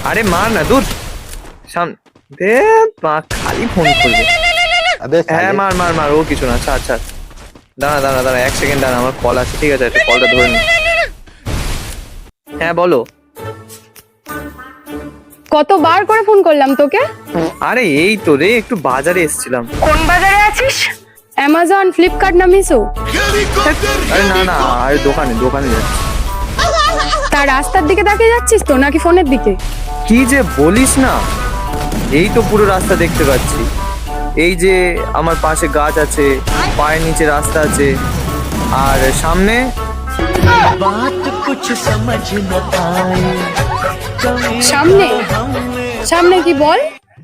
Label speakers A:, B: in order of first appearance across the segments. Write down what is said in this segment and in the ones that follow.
A: আরে মার না, দূর সামনে দে, খালি ফোন করবে। হ্যাঁ মার মার মার, ও কিছু না, ছাড় ছাড়। দাঁড়া দাঁড়া দাঁড়া, 1 সেকেন্ড দাঁড়া, আমার কল আছে। ঠিক আছে, একটা কলটা ধরে নি। হ্যাঁ বলো।
B: কতবার করে ফোন করলাম তোকে?
A: আরে এই তো রে, একটু বাজারে এসেছিলাম।
B: কোন বাজারে আছিস? অ্যামাজন, ফ্লিপকার্ট না মিশো?
A: আরে না না, আরে দোকানে দোকানে যাচ্ছি।
B: তার রাস্তার দিকে তাকিয়ে যাচ্ছিস তো নাকি ফোনের দিকে?
A: কি যে বলিস না, এই তো পুরো রাস্তা দেখতে পাচ্ছি। এই যে আমার পাশে গাছ আছে, পায়ের নিচে রাস্তা আছে, আর সামনে
B: সামনে সামনে কি বল?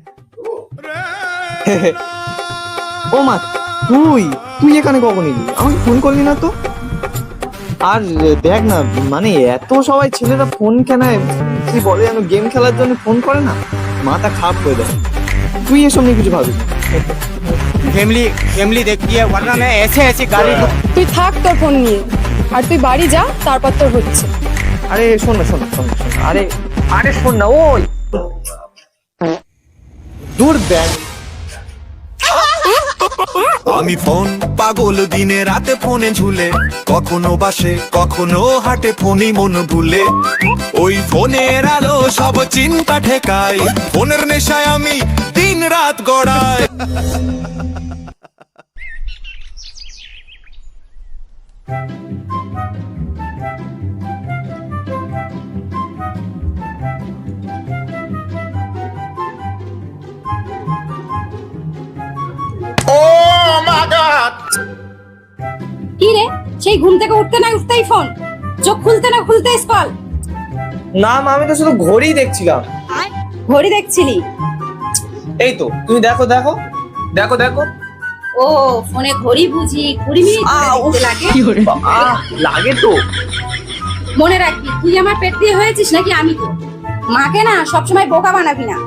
A: ও মা, তুই তুই এখানে কখন এলি? আমাকে ফোন করলি না তো? আর দেখ না, মানে এত সবাই ছেলেরা ফোন কেনায় কি বলে যেন, গেম খেলার জন্য ফোন করে না, মাথা খারাপ হয়ে যায়। তুই এসব নিয়ে কিছু ভাবিস?
C: फैमिली फैमिली देखती है वरना मैं ऐसे ऐसे गाली
B: তুই থাক তোর ফোন নিয়ে, আর তুই বাড়ি যা, তারপর তোর হচ্ছে।
A: আরে শোন না শোন না শোন না, শোন না। আরে আরে শোন না, ওই দূর দেখ।
D: আমি ফোন পাগল, দিনে রাতে ফোনে ঝুলে, কখনো বাসে কখনো হাটে, ফোনই মন ভুলে। ওই ফোনের আলো সব চিন্তা ঠেকায়, ফোনের নেশায় আমি দিন রাত গড়াই।
E: কি রে, সেই ঘুম থেকে উঠতে না উঠতেই ফোন, চোখ খুলতে না খুলতেই স্কল।
A: না মা, আমি তো শুধু ঘড়ি দেখছিলাম।
E: ঘড়ি দেখছিলি?
A: এই তো তুমি দেখো দেখো দেখো দেখো।
E: ও ফোনে ঘড়ি বুঝি 20 মিনিট ধরে দেখতে লাগে?
A: লাগে তো।
E: মনে রাখবি, তুই আমার পেট দিয়ে হয়েছিস নাকি আমি তো? মাকে না সবসময় বোকা বানাবি না।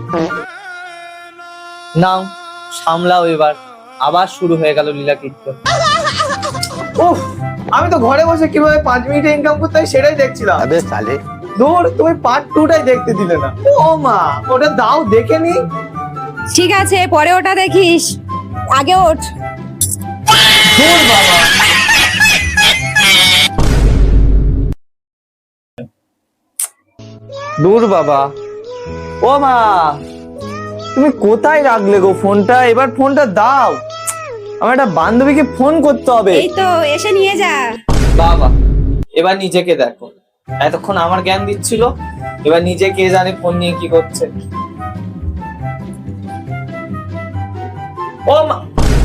A: নাও সামলাও এবার, আবার শুরু হয়ে গেল লীলা কীর্তন। উফ, আমি তো ঘরে বসে কিভাবে 5 মিনিটে ইনকাম করতে হয় সেটাই দেখছিলাম।
C: अबे साले
A: দূর, তুমি পার্ট 2টাই দেখতে দিলে না। ও মা, ওটা দাও দেখে নি।
E: ঠিক আছে, পরে ওটা দেখিস, আগে ওঠ।
A: দূর বাবা। দূর বাবা। ও মা, তুমি কোথায় রাখলে গো ফোনটা? এবার ফোনটা দাও, আমার একটা বান্ধবীকে ফোন করতে হবে।
E: এই তো এসে নিয়ে যা।
A: বাবা, এবার নিজেকে দেখো। এতক্ষণ আমার জ্ঞান দিচ্ছিল, এবার নিজে কে জানে ফোন নিয়ে কি করছে। ও মা,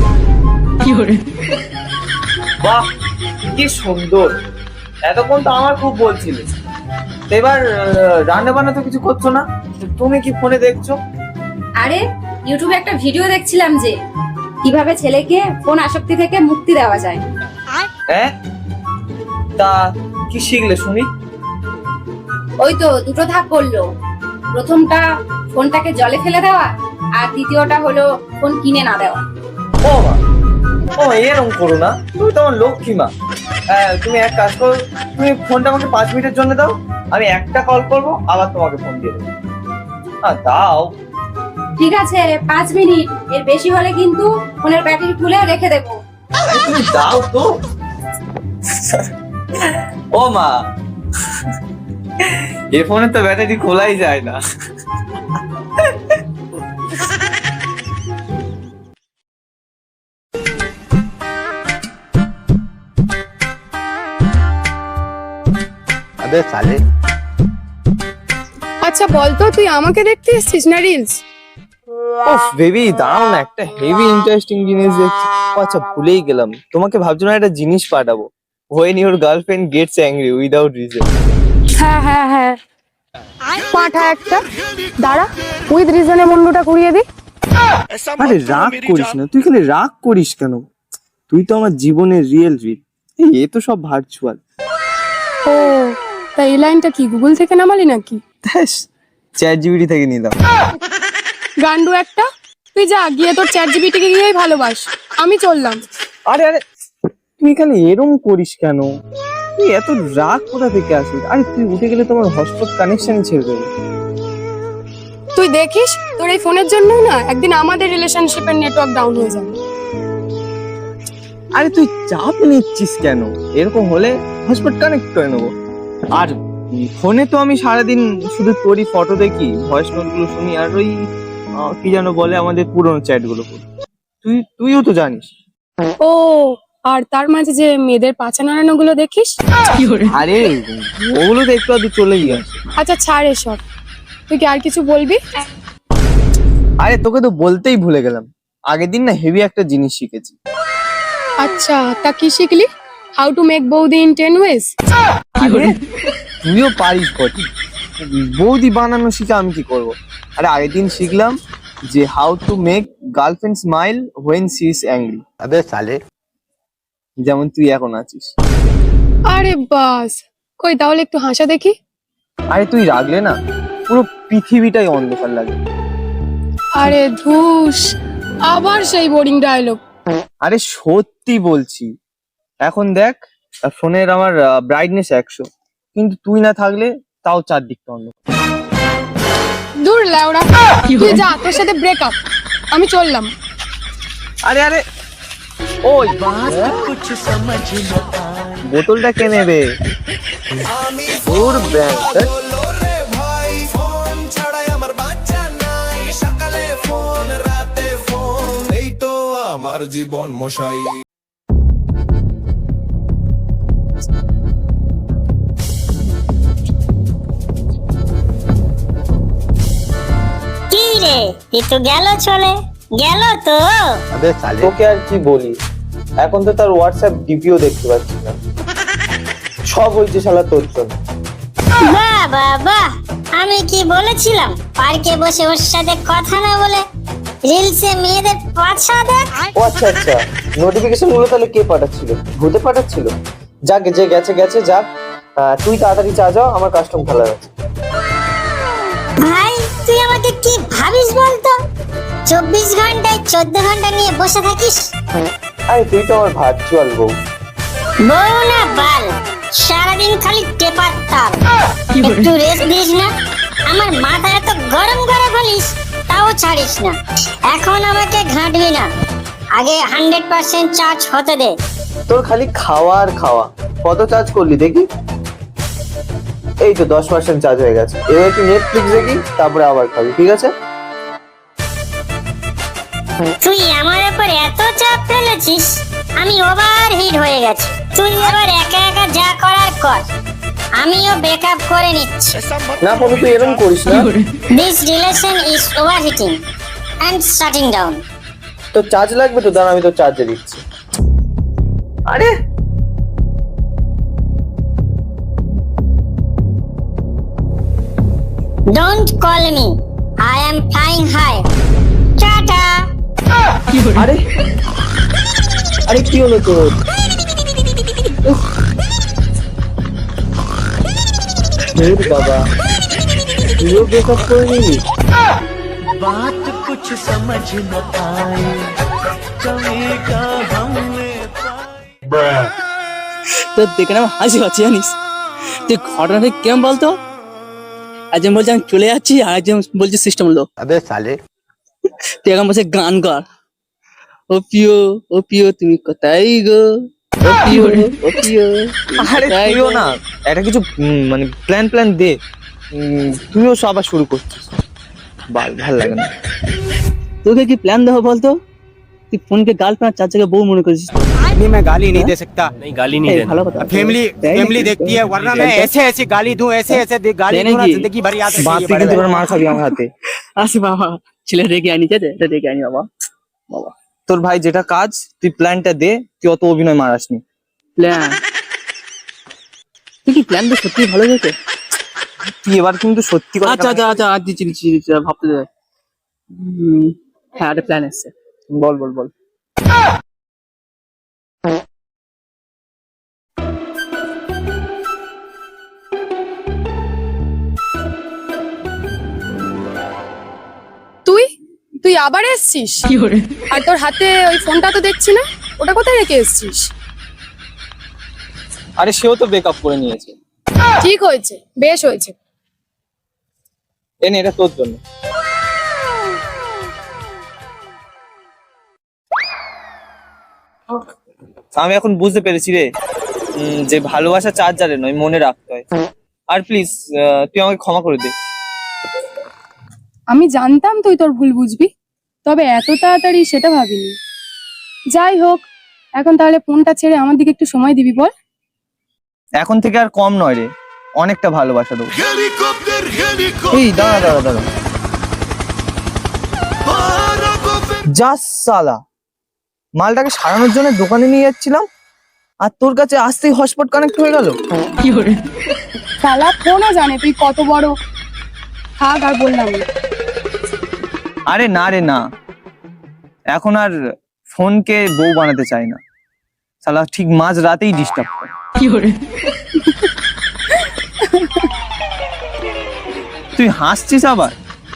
A: বাহ কি সুন্দর। এতক্ষণ তো আমার খুব বলছিলে, এবার রান্না বান্না তো কিছু করছো না, তুমি কি ফোনে দেখছো?
E: আরে ইউটিউবে একটা ভিডিও দেখছিলাম যে কিভাবে ছেলেকে ফোন আসক্তি থেকে মুক্তি দেওয়া যায়।
A: হ্যাঁ, তা কি শিখলে শুনি?
E: ওই তো দুটো ধাপ বললো, প্রথমটা ফোনটাকে জলে ফেলে দেওয়া, আর দ্বিতীয়টা হলো ফোন কিনে না দেওয়া।
A: ও মা, ও এরকম করো না, তুমি তো আমার লক্ষ্মী মা। তুমি এক কাজ করো, তুমি ফোনটা আমাকে 5 মিনিটের জন্য দাও, আমি একটা কল করবো, আবার তোমাকে ফোন দিয়ে দেবো। দাও।
E: ঠিক আছে 5 মিনিট, এর বেশি হলে কিন্তু ফোনের ব্যাটারি খুলে রেখে দেবো।
A: আরে তুমি দাও তো। ও মা, এই ফোনে তো ব্যাটারি খোলাই যায় না।
C: अबे साले
B: আচ্ছা বলতো, তুই আমাকে দেখতে এসেছিস না রিলস?
A: ওফ বেবি, দাঁড়াও না, একটা হেভি ইন্টারেস্টিং জিনিস দেখছি। ও আচ্ছা, ভুলেই গেলাম, তোমাকে ভাবছিলাম একটা জিনিস পাঠাবো। When your girlfriend gets angry without reason.
B: হ্যাঁ হ্যাঁ হ্যাঁ, পাঠা একটা। দাঁড়া, উইথ রিজনে মুন্ডুটা ঘুরিয়ে দি।
A: আরে রাগ করিস না, তুই খালি রাগ করিস কেন? তুই তো আমার জীবনের রিয়েল রিল, এ তো সব ভার্চুয়াল।
B: ও, তা এই লাইনটা কি গুগল থেকে নামালি নাকি?
A: চ্যাট জিপিটি থেকে নিলাম।
B: গান্ডু একটা, তুই যা গিয়ে তোর চ্যাট জিপিটিকে গিয়েই ভালোবাস, আমি চললাম।
A: আরে আরে, তুই খালি এরম করিস কেন? তুই এত রাগ কোথা থেকে আসিস? আরে তুই উঠে গেলে তোমার হটস্পট কানেকশন ছেড়ে দেবে।
B: তুই দেখিস তোর এই ফোনের জন্য না একদিন আমাদের রিলেশনশিপের নেটওয়ার্ক ডাউন হয়ে যাবে।
A: আরে তুই চাপ নিচ্ছিস কেন? এরকম হলে হটস্পট কানেক্ট করে নেবো। আর ফোনে তো আমি সারাদিন শুধু তোরই ফটো দেখি, ভয়েস নোট গুলো শুনি, আর ওই কি যেন বলে আমাদের পুরোনো চ্যাট গুলো পড়ি। তুইও তো জানিস।
B: ও, আর তার মাঝে যে মেয়েদের পাছা নাড়ানো গুলো দেখিস।
A: আরে ওগুলো তো একটু আধটু চলেই গেছে।
B: আচ্ছা ছাড় এসব, তুই কি আর কিছু বলবি?
A: আরে তোকে তো বলতেই ভুলে গেলাম, আগের দিন না হেভি একটা জিনিস শিখেছি।
B: আচ্ছা তা কি শিখলি? হাউ টু মেক বৌদি ইন 10 ওয়েজ।
A: আরে, তুইও পারিস বটে, বৌদি বানানো শিখে আমি কি করব? আরে আগের দিন শিখলাম যে how to make girlfriend smile when she is angry.
C: अबे साले
A: যেমন তুই এখন আছিস।
B: আরে বাস, কই তাহলে একটু হাসা দেখি।
A: আরে তুই রাগলে না পুরো পৃথিবীটাই অন্ধকার লাগে।
B: আরে ধুস, আবার সেই বোরিং ডায়লগ।
A: আরে সত্যি বলছি, এখন দেখ ফোনের আমার ব্রাইটনেস 100, কিন্তু তুই না থাকলে তাও চারদিকটা অন্ধকার।
B: দূর লেওড়া, তুই যা, তোর সাথে ব্রেকআপ, আমি চললাম।
A: আরে আরে ওই বোতলটা কে নেবে? ওর ব্যাগ
D: রে ভাই ফোন ছাড়াই আমার বাচ্চা নাই, সকালে ফোন রাতে ফোন, এই তো আমার জীবন মশাই।
F: কি রে, এ তো গেল, চলে গেল তো।
C: अबे साले
A: তোকে আর কি বলি, এখন তো তার হোয়াটসঅ্যাপ ডিপিও দেখতে পাচ্ছি না, সব হয়েছে শালা তোর জন্য।
F: বাহ বাহ বাহ, আমি কি বলেছিলাম পার্কে বসে ওর সাথে কথা না বলে রিলসে মেয়েদের পাছা দেখ।
A: ও আচ্ছা আচ্ছা, নোটিফিকেশন গুলো তাহলে কে পাঠাচ্ছিল? ভূতে পাঠাচ্ছিল? যাক, যে গেছে গেছে, যাক। তুই তাড়াতাড়ি চা যাও, আমার কাস্টম খেলা আছে।
F: ভাই তুই আমাকে কি ভাবিস বলতো? 24 ঘন্টায় 14 ঘন্টা নিয়ে বসে থাকিস।
A: আরে তুই তো আমার ভার্চুয়াল বউ।
F: বউ না বাল, সারাদিন খালি টেপার তাল। একটু রেস্ট দিস না? আমার মাথা এত গরম করে বলিস, তাও ছাড়িস না। এখন আমাকে ঘাঁটবি না, আগে 100% চার্জ হতে দে।
A: তোর খালি খাওয়া আর খাওয়া। কত চার্জ করলি দেখি? এই তো 10% চার্জ হয়ে গেছে। এবার একটু নেটফ্লিক্স দেখি, তারপরে আবার খাবি, ঠিক আছে?
F: তুই আমার উপর এত চাপ ফেলেছিস, আমি ওভার হিট হয়ে গেছি। তুই এবার একা একা যা করার কর, আমিও ব্রেকআপ করে নিচ্ছি।
A: না কোনো তুই এরকম করিস না।
F: This relation is overheating and shutting down.
A: তো চার্জ লাগবে তো, দাঁড়া আমি তো চার্জে দিচ্ছি। আরে
F: don't call me, I am flying high. Tata.
A: আরে আরে কি হলো তোর? উফ। হে বাবা, তুইও ব্রেকআপ করে নিলি?
G: তো দেখে না আমার হাসি পাচ্ছে জানিস। তুই ঘটনাটা কেমন বলতো? একজন বলছে আমি চলে যাচ্ছি, আর একজন বলছে সিস্টেম লো।
C: अबे साले
G: তুই এখন বলছে গান কর, ও পিও তুমি কোথায় গো, ও পিও ও পিও।
A: আরে তুইও না একটা কিছু মানে প্ল্যান দে। তুইও সব আবার শুরু করছিস, ভাল লাগে না।
G: তোকে কি প্ল্যান দেবো বলতো? তুই ফোনকে গার্লফ্রেন্ড চার জায়গায় বউ মনে করিস।
C: नहीं, मैं गाली नहीं दे सकता। नहीं गाली नहीं
G: এই
C: देना।
G: ভালো কথা।
C: फैमिली देखती है, वरना मैं ऐसे ऐसे गाली दूं, ऐसे ऐसे गाली
G: देने
C: दूं ना,
G: की।
C: जिंदगी भर याद
A: বাদ
C: रखेगी
A: তুই
C: बड़े
A: কিন্তু
C: भाई।
A: এবার মার খাবি আমার হাতে।
G: আসি বাবা, ছেলে রেখে আনি, ঠিক আছে? এটা রেখে আনি বাবা। বাবা
A: তোর ভাই যেটা কাজ, তুই প্ল্যানটা দে। তুই অত অভিনয় মারাসনি।
G: প্ল্যান, তুই কি প্ল্যান তো সত্যি ভালো যেতে?
A: তুই এবার কিন্তু সত্যি কথা।
G: আচ্ছা আচ্ছা আচ্ছা, আর দিচ্ছি দিচ্ছি দিচ্ছি, ভাবতে দে। হ্যাঁ একটা প্ল্যান এসছে।
A: বল বল বল।
B: তুই তুই আবার এসছিস? আর তোর হাতে ওই ফোনটা তো দেখছি না, ওটা কোথায় রেখে এসছিস?
A: আরে সেও তো ব্রেকআপ করে নিয়েছে।
B: ঠিক হয়েছে, বেশ হয়েছে।
A: এনে এটা তোর জন্য। আমি এখন বুঝতে পেরেছি রে, যে ভালোবাসা চার্জারে নয়, মনে রাখতে হয়। আর প্লিজ তুই আমাকে ক্ষমা করে দে।
B: আমি জানতাম তুই তোর ভুল বুঝবি, তবে এত তাড়াতাড়ি সেটা ভাবিনি। যাই হোক, এখন তাহলে ফোনটা ছেড়ে আমার দিকে একটু সময় দিবি বল।
A: এখন থেকে আর কম নয় রে, অনেকটা ভালোবাসা দেবো।
D: হেলিকপ্টার
A: এই দাঁড়া দাঁড়া দাঁড়া, যা সালা, মালটাকে সারানোর জন্য দোকানে নিয়ে যাচ্ছিলাম আর তোর কাছে আসতেই হটস্পট কানেক্ট হয়ে গেল।
B: শালা ফোনও জানে তুই কত বড়। থাক আর বললাম না।
A: আরে না রে না, এখন আর ফোনকে বউ বানাতে চাই না, শালা ঠিক মাঝ রাতেই ডিস্টার্ব করে। তুই হাসছিস আবার?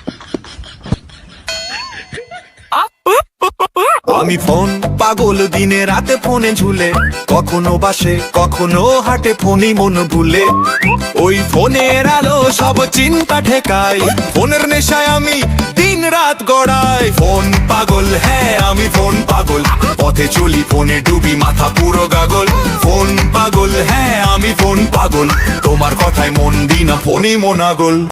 D: আমি ফোন পাগল, দিনে রাতে ফোনে ঝুলে, কখনো বাসে কখনো হাটে ফোনই মন ভুলে। ওই ফোনের আলো সব চিন্তা ঠেকাই, ফোনের নেশায় আমি দিন রাত গড়াই। ফোন পাগল, হ্যাঁ আমি ফোন পাগল, পথে চলি ফোনে ডুবি মাথা পুরো গাগল। ফোন পাগল, হ্যাঁ আমি ফোন পাগল, তোমার কথায় মন দিই না ফোনই মনাগল।